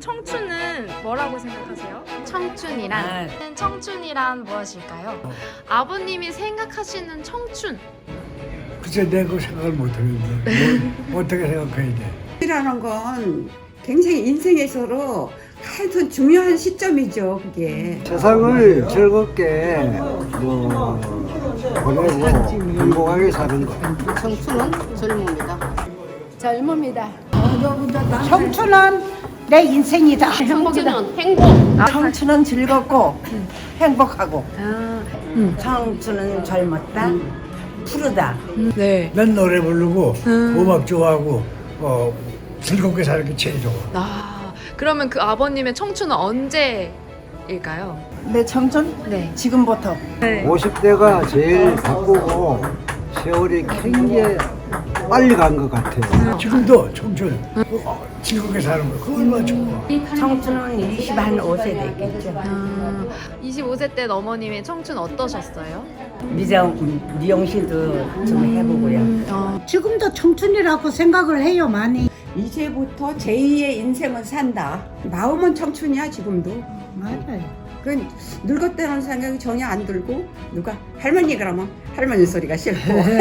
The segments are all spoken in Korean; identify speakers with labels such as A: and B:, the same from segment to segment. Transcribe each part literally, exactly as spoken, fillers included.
A: 청춘은 뭐라고 생각하세요?
B: 청춘이란
C: 아.
A: 청춘이란 무엇일까요? 아버님이 생각하시는 청춘.
C: 글쎄 내가 그 생각을 못하겠는데 뭐, 어떻게 생각해야 돼?
D: 이라는 건 굉장히 인생에서로 하여튼 중요한 시점이죠, 그게.
E: 세상을 즐겁게 뭐 보내고 행복하게 사는 거.
B: 청춘은 젊음이다. 젊음이다.
F: 청춘은 내 인생이다.
B: 청춘은 행복.
F: 청춘은 즐겁고 행복하고.
G: 청춘은 젊었다, 푸르다.
A: 네.
C: 난 노래 부르고 음악 좋아하고 어, 즐겁게 사는 게 제일 좋아.
A: 아, 그러면 그 아버님의 청춘은 언제일까요?
F: 내 청춘
A: 네.
F: 지금부터.
A: 네.
E: 오십 대가 제일 바쁘고 세월이 굉장히 빨리 간 것 같아요.
C: 지금도 청춘 어, 즐겁게 사는 거 그거 얼마나 좋아.
G: 청춘은 이십오 세 됐겠죠.
A: 아, 이십오 세 때 어머님의 청춘 어떠셨어요?
G: 미정, 미용실도 좀 해보고요.
A: 어,
F: 지금도 청춘이라고 생각을 해요 많이.
D: 이제부터 제이의 인생을 산다. 마음은 청춘이야, 지금도.
F: 맞아요.
D: 그 늙었다는 생각이 전혀 안 들고, 누가 할머니 그러면 할머니 소리가 싫고.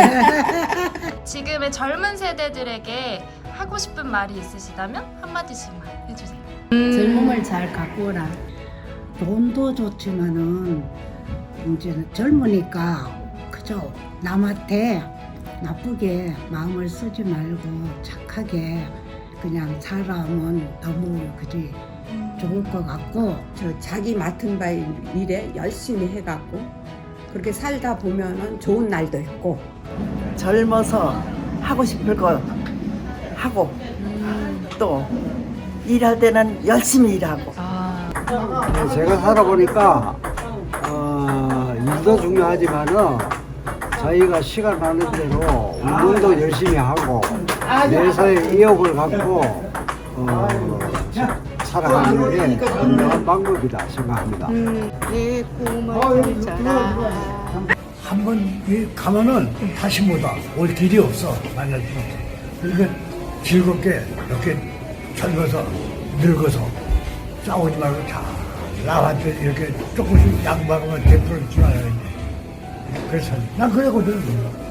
A: 지금의 젊은 세대들에게 하고 싶은 말이 있으시다면 한마디씩만 해주세요.
B: 젊음을 잘 갖고 오라.
F: 돈도 좋지만은 이제는 젊으니까 그저 남한테 나쁘게 마음을 쓰지 말고 착하게 그냥 살아면 너무 그지 좋을 것 같고.
D: 저 자기 맡은 바 일에 열심히 해갖고 그렇게 살다 보면은 좋은 날도 있고.
H: 젊어서 하고 싶을 거 하고 또 일할 때는 열심히 일하고.
A: 아,
E: 제가 살아보니까 어, 일도 중요하지만은 저희가 시간 나는 대로 운동도 열심히 하고 내사의 의욕을 갖고 어, 살아가는 게 건강한 방법이다 생각합니다.
B: 내 꿈을 펼쳐라.
C: 한 번 가면은 다시 못 와. 올 길이 없어. 만날 수 없어. 그러니까 즐겁게 이렇게 젊어서 늙어서 싸우지 말고 잘 나한테 이렇게 조금씩 양보하면 대표를 줄 알아야 돼. 그래서 난 그러거든.